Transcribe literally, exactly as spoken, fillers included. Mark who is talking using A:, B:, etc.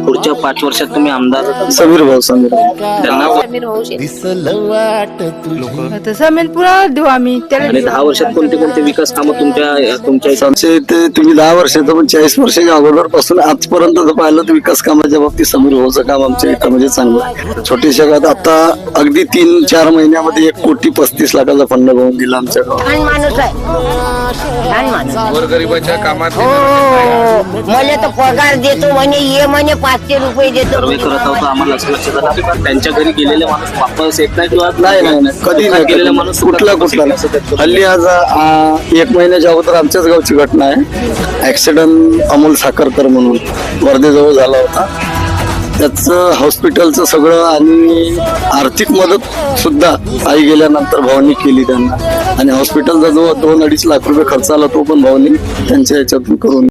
A: पुढच्या पाच वर्षात तुम्ही आमदार
B: समीर भाऊ समीर
A: त्यांना
C: तर समेल पुन्हा देऊ आम्ही
A: आणि
C: त्याला.
A: दहा वर्षात कोणते कोणते विकास कामं तुमच्या तुमच्या
B: आमच्या इथे तुम्ही दहा वर्षाचं पण चाळीस वर्षाच्या अगोदर पासून आजपर्यंत जर पाहिलं तर विकास कामाच्या बाबतीत समीर भाऊचं काम आमच्या इथं म्हणजे चांगलं आहे. छोट्याशा गावात आता अगदी तीन चार महिन्यामध्ये एक कोटी पस्तीस लाखाचा फंड होऊन दिला आमच्या गावात.
D: छान माणूस आहे, छान माणूस.
E: गोरगरिबाच्या कामात
D: हो मला तर पगार देतो म्हणे, ये म्हणे पाचशे रुपये देतो.
A: सर्वे करत आहोत आम्हाला असं लक्षात आलं की त्यांच्या घरी गेलेले माणूस वापस येत नाही किंवा
B: नाही नाही नाही, कधी नाही
A: गेलेला
B: कधी
A: माणूस
B: नाही. कुठला कुठला नाही. हल्ली आज आ, एक महिन्याच्या अगोदर आमच्याच गावची घटना आहे. ऍक्सिडेंट अमोल साखरकर म्हणून वर्धेजवळ झाला होता. त्याचं हॉस्पिटलचं सगळं आणि आर्थिक मदत सुद्धा आई गेल्यानंतर भावानी केली त्यांना. आणि हॉस्पिटलचा जो दोन अडीच लाख रुपये खर्च आला तो पण भावानी त्यांच्या ह्याच्यातून करून